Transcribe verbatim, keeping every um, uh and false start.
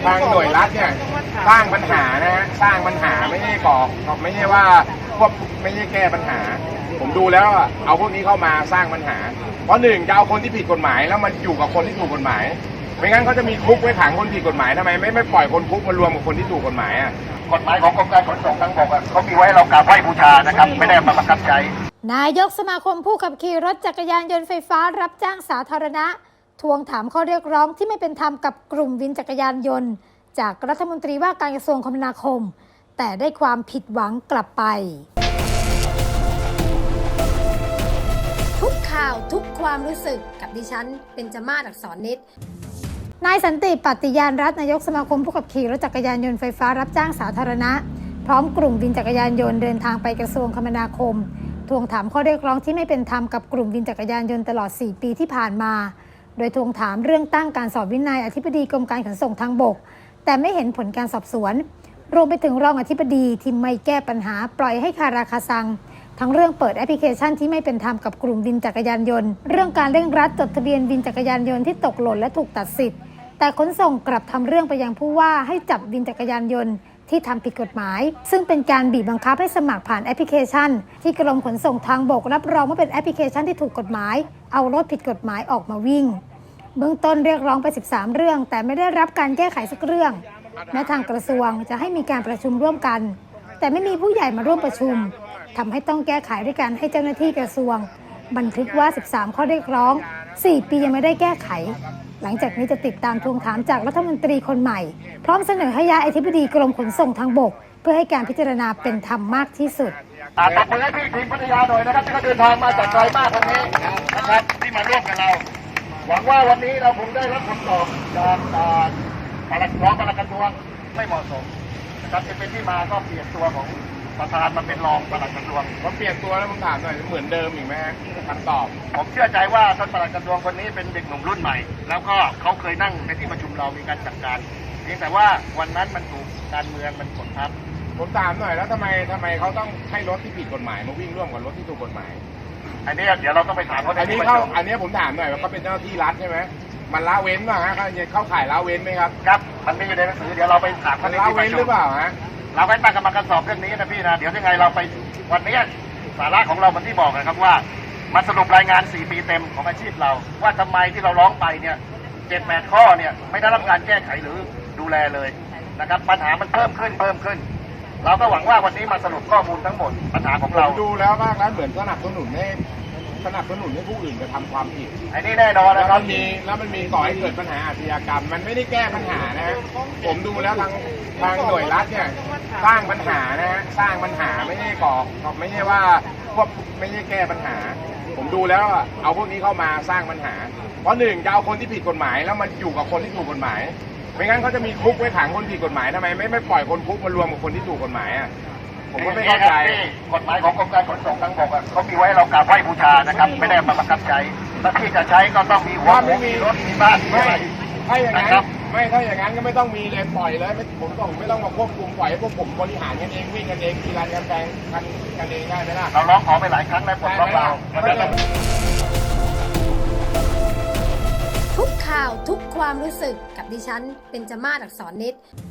างหน่วยรัฐเนี่ยสร้างปัญหานะฮะสร้างปัญหาไม่ใช่ก่อไม่ใช่ว่าพวกไม่ใช่แก้ปัญหาผมดูแล้วเอาพวกนี้เข้ามาสร้างปัญหาเพราะหนึ่งจะเอาคนที่ผิดกฎหมายแล้วมันอยู่กับคนที่ถูกกฎหมายไม่งั้นเขาจะมีคุกไว้ขังคนผิดกฎหมายทำไมไม่ไม่ปล่อยคนคุกมารวมกับคนที่ถูกกฎหมายอ่ะกฎหมายของกรมการขนส่งทางบกเขามีไว้เรากราบไหว้บูชานะครับไม่ได้มาบังคับใช้นายกสมาคมผู้ขับขี่รถจักรยานยนต์ไฟฟ้ารับจ้างสาธารณะทวงถามข้อเรียกร้องที่ไม่เป็นธรรมกับกลุ่มวินจักรยานยนต์จากรัฐมนตรีว่าการกระทรวงคมนาคมแต่ได้ความผิดหวังกลับไปทุกข่าวทุกความรู้สึกกับดิฉันเบญจมาศ อักษรนิดนายสันติปัตติยานรัตน์นายกสมาคมผู้ขับขี่รถจักรยานยนต์ไฟฟ้ารับจ้างสาธารณะพร้อมกลุ่มวินจักรยานยนต์เดินทางไปกระทรวงคมนาคมทวงถามข้อเรียกร้องที่ไม่เป็นธรรมกับกลุ่มวินจักรยานยนต์ตลอดสี่ปีที่ผ่านมาโดยทวงถามเรื่องตั้งการสอบวินัยอธิบดีกรมการขนส่งทางบกแต่ไม่เห็นผลการสอบสวนรวมไปถึงรองอธิบดีที่ไม่แก้ปัญหาปล่อยให้คาราคาซังทั้งเรื่องเปิดแอปพลิเคชันที่ไม่เป็นธรรมกับกลุ่มวินจักรยานยนต์เรื่องการเร่งรัดจดทะเบียนวินจักรยานยนต์ที่ตกหล่นและถูกตัดสิทธิ์แต่ขนส่งกลับทำเรื่องไปยังผู้ว่าให้จับวินจักรยานยนต์ที่ทำผิดกฎหมายซึ่งเป็นการบีบบังคับให้สมัครผ่านแอปพลิเคชันที่กรมขนส่งทางบกรับรองว่าเป็นแอปพลิเคชันที่ถูกกฎหมายเอารถผิดกฎหมายออกมาวิ่งเบื้องต้นเรียกร้องไปสิบสามเรื่องแต่ไม่ได้รับการแก้ไขสักเรื่องแม้ทางกระทรวงจะให้มีการประชุมร่วมกันแต่ไม่มีผู้ใหญ่มาร่วมประชุมทำให้ต้องแก้ไขด้วยการให้เจ้าหน้าที่กระทรวงบันทึกว่าสิบสามข้อเรียกร้องสี่ปียังไม่ได้แก้ไขหลังจากนี้จะติดตามทวงถามจากรัฐมนตรีคนใหม่พร้อมเสนอให้ย้ายอธิบดีกรมขนส่งทางบกเพื่อให้การพิจารณาเป็นธรรมมากที่สุดตบมือให้พี่ทีมพัทยาหน่อยนะครับที่เขาเดินทางมาจากไกลมากวันนี้นะครับที่มาร่วมกับเราหวังว่าวันนี้เราคงได้รับคำตอบจากปลัดรองปลัดกระทรวงไม่เหมาะสมนะครับจะเป็นที่มาก็เปลี่ยนตัวของประธานมาเป็นรองปลัดกระทรวงผมเปลี่ยนตัวแล้วผมถามหน่อยเหมือนเดิมอีกไหมฮะคำตอบผมเชื่อใจว่าท่านปลัดกระทรวงคนนี้เป็นเด็กหนุ่มรุ่นใหม่แล้วก็เขาเคยนั่งในที่ประชุมเรามีการจัดการเพียงแต่ว่าวันนั้นมันถูกการเมืองมันกดทับผมถามหน่อยแล้วทำไมทำไมเขาต้องให้รถที่ผิดกฎหมายมาวิ่งร่วมกับรถที่ถูกกฎหมายอันนี้เดี๋ยวเราต้องไปถามเขาอันนี้เขาอันนี้ผมถามหน่อยว่าเขาเป็นเจ้าหน้าที่รัฐใช่ไหมมันละเว้นป่ะฮะเข้าข่ายละเว้นไหมครับครับมันมีอยู่ในหนังสือเดี๋ยวเราไปถามเขาในที่ประชุมละเว้นหรือเปล่าฮะเราไปตั้งกรรมการสอบเรื่องนี้นะพี่นะเดี๋ยวยังไงเราไปวันนี้สาระของเรามันที่บอกนะครับว่ามาสรุปรายงานสี่ปีเต็มของอาชีพเราว่าทำไมที่เราร้องไปเนี่ยเจ็ดแปดข้อเนี่ยไม่ได้รับการแก้ไขหรือดูแลเลยนะครับปัญหามันเพิ่มขึ้นเพิ่มขึ้นเราก็หวังว่าวันนี้มาสรุปข้อมูลทั้งหมดปัญหาของเราดูแล้วมากแล้วเหมือนสนับสนุนให้สนับสนุนให้ผู้อื่นกระทำความผิดอันนี้แน่นอนนะครับแล้วมันมีแล้วมันมีก่อให้เกิดปัญหาอาชญากรรมมันไม่ได้แก้ปัญหานะฮะผมดูแล้วทางทางหน่วยรัฐเนี่ยสร้างปัญหานะฮะสร้างปัญหาไม่ใช่ก่อไม่ใช่ว่าพวกไม่ใช่แก้ปัญหาผมดูแล้วเอาพวกนี้เข้ามาสร้างปัญหาเพราะหนึ่งจะเอาคนที่ผิดกฎหมายแล้วมันอยู่กับคนที่ถูกกฎหมายไม่งั้นเขาจะมีคุกไว้ขังคนผิดกฎหมายทำไมไม่ไม่ปล่อยคนคุกมารวมกับคนที่ถูกกฎหมายอ่ะผมก็ไม่เข้าใจกฎหมายของกรมการขนส่งทางบกเขามีไว้เรากราบไหว้บูชานะครับไม่ได้มาบังคับใช้ถ้าที่จะใช้ก็ต้องมีหัวไม่มีรถมีบ้านไม่ถ้าอย่างนั้นไม่ถ้าอย่างนั้นก็ไม่ต้องมีเลยปล่อยเลยผมต้องไม่ต้องมาควบคุมปล่อยให้พวกผมบริหารกันเองวิ่งกันเองกีฬากันแปลงกันกันเองได้ไหมล่ะเราร้องขอไปหลายครั้งแล้วปลดล็อกเราทุกข่าวทุกความรู้สึกกับดิฉันเบญจมาศ อักษรนิด